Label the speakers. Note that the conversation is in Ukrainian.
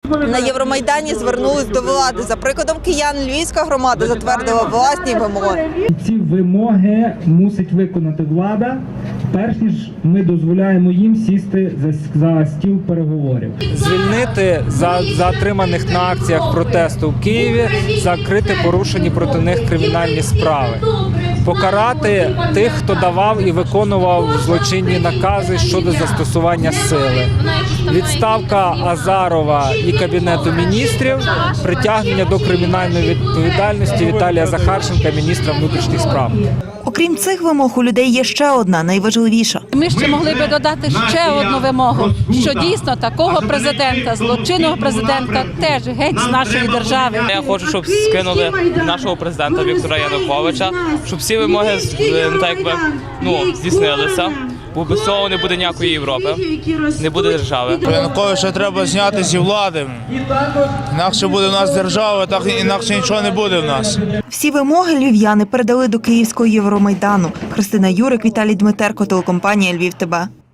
Speaker 1: На Євромайдані звернулись до влади. За прикладом киян, львівська громада затвердила власні вимоги.
Speaker 2: Ці вимоги мусить виконати влада, перш ніж ми дозволяємо їм сісти за стіл переговорів.
Speaker 3: Звільнити затриманих на акціях протесту в Києві, закрити порушені проти них кримінальні справи. Покарати тих, хто давав і виконував злочинні накази щодо застосування сили. Відставка Азарова і Кабінету міністрів, притягнення до кримінальної відповідальності Віталія Захарченка, міністра внутрішніх справ.
Speaker 4: Окрім цих вимог, у людей є ще одна, найважливіша.
Speaker 5: Ми ще могли би додати ще одну вимогу, що дійсно такого президента, злочинного президента теж геть з нашої держави.
Speaker 6: Я хочу, щоб скинули нашого президента Віктора Януковича, щоб всі вимоги здійснилися. Бо без цього не буде ніякої Європи, не буде держави.
Speaker 7: Януковича треба зняти зі влади. Інакше буде в нас держава, так інакше нічого не буде в нас.
Speaker 4: Всі вимоги львів'яни передали до Київського Євромайдану. Христина Юрик, Віталій Дмитерко, телекомпанія «Львів ТБ».